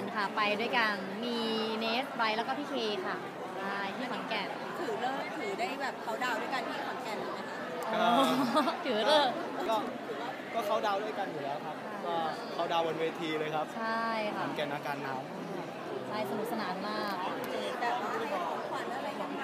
ค่ะไปด้วยกันมีเนสไบรท์แล้วก็พี่เคค่ะใช่ที่ขอนแก่นถือได้แบบเขาดาวด้วยกันที่ขอนแก่นเลยไหมคะถือเลิกก็เขาดาวด้วยกันอยู่แล้วครับก็เขาดาวบนเวทีเลยครับใช่ค่ะขอนแก่นอาการหนาวใช่สนุกสนานมากแต่ว่าให้ของขวัญอะไรกันไหม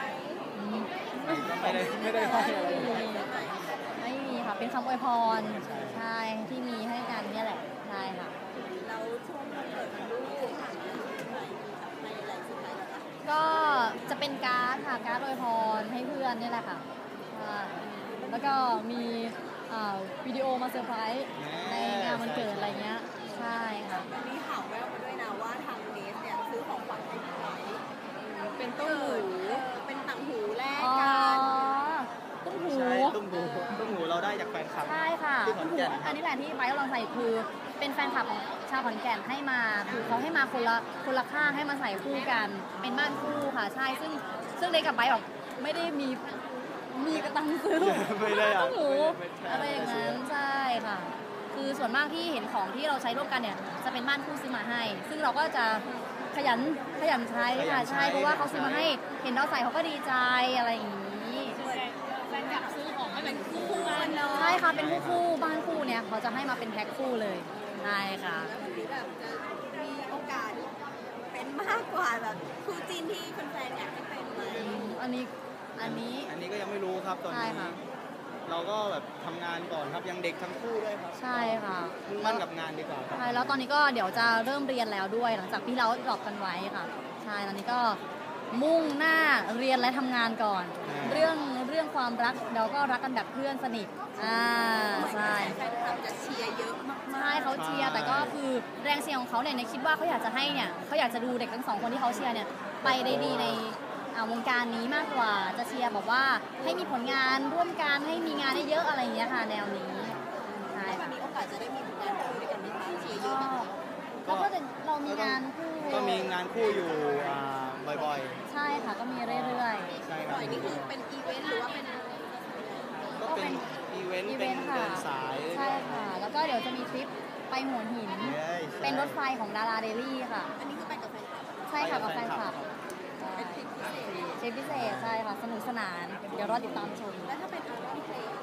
ไม่ได้ให้อะไรไม่มีค่ะเป็นคำอวยพรใช่ที่มีให้กันเนี่ยแหละใช่ค่ะแล้วช่วงวันเกิดของลูกในอะไรสุดท้ายแล้วคะก็จะเป็นการ์ดค่ะการ์ดอวยพรให้เพื่อนนี่แหละค่ะแล้วก็มีวิดีโอมาเซอร์ไพรส์ในงานวันเกิดอะไรเงี้ยใช่ค่ะมีข่าวแววมาด้วยนะว่าทางเนสเนี่ยซื้อของขวัญให้พี่ไบร์ทเป็นต้นหูเป็นต่างหูแลกกันตุ้มหูตุ้มหูเราได้จากแฟนคลับใช่ค่ะที่ขอนแก่นอันนี้แหละที่ไบร์ทลองใส่คือเป็นแฟนคลับของชาวขอนแก่นให้มาคือเขาให้มาคนละข้างให้มาใส่คู่กันเป็นบ้านคู่ค่ะใช่ซึ่งเด็กกับไบร์ทแบบไม่ได้มีกระตังซื้อต้มหูอะไรอย่างนั้นใช่ค่ะคือส่วนมากที่เห็นของที่เราใช้ร่วมกันเนี่ยจะเป็นบ้านคู่ซื้อมาให้ซึ่งเราก็จะขยันใช้ค่ะใช่เพราะว่าเขาซื้อมาให้เห็นเราใส่เขาก็ดีใจอะไรอย่างนี้แฟนคลับซื้อของให้เป็นคู่กันเนาะใช่ค่ะเป็นคู่บ้านคู่เนี่ยเขาจะให้มาเป็นแพ็คคู่เลยใช่ค่ะแล้ววันนี้แบบจะมีโอกาสเป็นมากกว่าแบบคู่จีนที่แฟนๆอยากให้เป็นไหมอันนี้ก็ยังไม่รู้ครับตอนนี้เราก็แบบทำงานก่อนครับยังเด็กทั้งคู่ด้วยครับใช่ค่ะมุ่งมั่นกับงานดีกว่าใช่แล้วตอนนี้ก็เดี๋ยวจะเริ่มเรียนแล้วด้วยหลังจากที่เราดรอปกันไว้ค่ะใช่ตอนนี้ก็มุ่งหน้าเรียนและทำงานก่อนเรื่องความรักเราก็รักกันแบบเพื่อนสนิทใช่แฟนคลับจะเชียร์เยอะมากใช่เขาเชียร์แต่ก็คือแรงเชียร์ของเขาเนี่ยคิดว่าเขาอยากจะให้เนี่ยเขาอยากจะดูเด็กทั้งสองคนที่เขาเชียร์เนี่ยไปได้ดีในวงการนี้มากกว่าจะเชียร์แบบว่าให้มีผลงานร่วมกันให้มีงานได้เยอะอะไรอย่างเงี้ยค่ะแนวนี้ใช่ค่ะมีโอกาสจะได้มีผลงานคู่ด้วยกันไหมคะเชียร์เยอะไหมก็เรามีงานคู่ก็มีงานคู่อยู่บ่อยๆใช่ค่ะก็มีเรื่อยๆใช่ครับบ่อยนี่คือเป็นอีเวนต์หรือว่าเป็นก็เป็นอีเวนต์เป็นเดินสายใช่ค่ะแล้วก็เดี๋ยวจะมีทริปไปหัวหินเป็นรถไฟของดาราเดลี่ค่ะอันนี้คือไปกับแฟนคลับใช่ค่ะกับแฟนคลับเป็นทริปพิเศษใช่ค่ะสนุกสนานเดี๋ยวรอติดตามชมแล้วถ้าเป็นอัลบั้มเพลง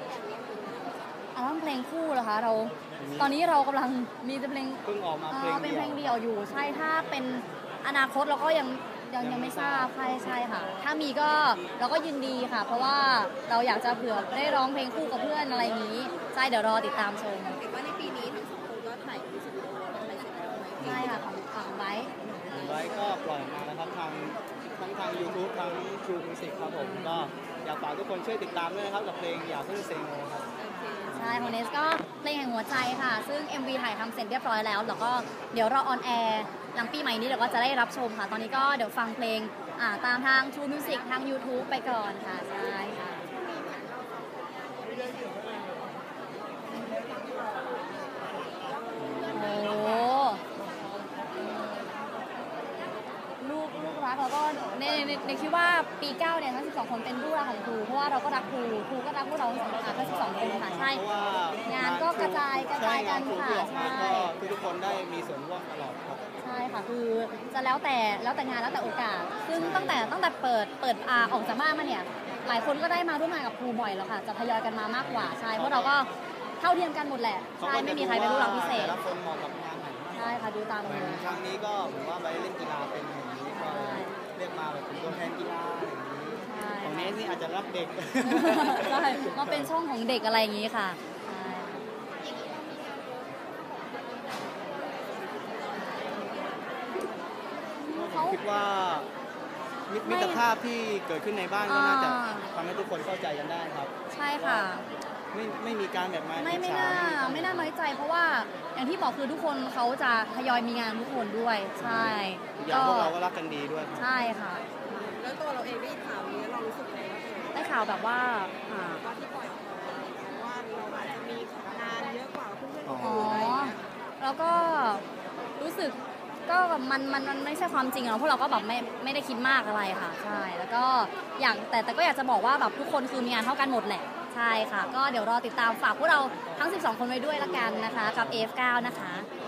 คู่เหรอคะเราตอนนี้เรากำลังมีเพลงเพิ่งออกมาเป็นเพลงเดี่ยวอยู่ใช่ถ้าเป็นอนาคตเราก็ยังไม่ทราบใช่ค่ะถ้ามีก็เราก็ยินดีค่ะเพราะว่าเราอยากจะเผื่อได้ร้องเพลงคู่กับเพื่อนอะไรอย่างนี้ใช่เดี๋ยวรอติดตามชมเห็นว่าในปีนี้ทั้งสองคนก็ถ่ายมิวสิกวิดีโออะไรเสร็จแล้วไหมใช่ค่ะของไบค์ก็ปล่อยมาแล้วครับทางYouTube ทาง True Music ครับผมก็อยากฝากทุกคนช่วยติดตามด้วยนะครับกับเพลงอย่าเพิ่งเซ็งโง่ครับใช่ของเนสก็เพลงแห่งหัวใจค่ะซึ่ง MV ถ่ายทำเสร็จเรียบร้อยแล้วแล้วก็เดี๋ยวรอออนแอร์หลังปีใหม่นี้เดี๋ยวก็จะได้รับชมค่ะตอนนี้ก็เดี๋ยวฟังเพลงตามทาง True Music ทาง YouTube ไปก่อนค่ะใช่ค่ะโอ้ลูกรักแล้วก็ในคิดว่าปี9เนี่ยทั้ง12คนเป็นลูกรักของครูเพราะว่าเราก็รักครูก็รักพวกเราทั้ง12คนค่ะใช่งานก็กระจายกันค่ะใช่ทุกคนได้มีส่วนร่วมตลอดครับใช่ค่ะคือจะแล้วแต่งานแล้วแต่โอกาสซึ่งตั้งแต่เปิดออกจากบ้านมาเนี่ยหลายคนก็ได้มาร่วมงานกับครูบ่อยแล้วค่ะจะทยอยกันมามากกว่าใช่เพราะเราก็เท่าเทียมกันหมดแหละใช่ไม่มีใครเป็นลูกรักพิเศษแต่ละคนเหมาะกับงานไหนใช่ค่ะดูตามเลยครั้งนี้ก็ผมว่าไปเล่นกีฬาเป็นอย่างนี้ก็เรียกมาแบบเป็นตัวแทนกีฬาอย่างนี้ของเนสนี่อาจจะรับเด็กใช่มาเป็นช่องของเด็กอะไรอย่างนี้ค่ะผมคิดว่ามิตรภาพที่เกิดขึ้นในบ้านก็น่าจะทำให้ทุกคนเข้าใจกันได้ครับใช่ค่ะไม่มีการแบบไม่น่าน้อยใจเพราะว่าอย่างที่บอกคือทุกคนเขาจะทยอยมีงานทุกคนด้วยใช่อย่างพวกเราก็รักกันดีด้วยใช่ค่ะแล้วตัวเราเองได้ข่าวนี้เรารู้สึกไงได้ข่าวแบบว่าที่ปล่อยออกมาว่าเราอาจจะมีงานเยอะกว่าเพื่อนๆอ๋อแล้วก็รู้สึกก็มันไม่ใช่ความจริงเพราะเราก็แบบไม่ได้คิดมากอะไรค่ะใช่แล้วก็แต่ก็อยากจะบอกว่าแบบทุกคนคือมีงานเท่ากันหมดแหละใช่ค่ะก็เดี๋ยวรอติดตามฝากพวกเราทั้ง12คนไว้ด้วยละกันนะคะกับ F9 นะคะ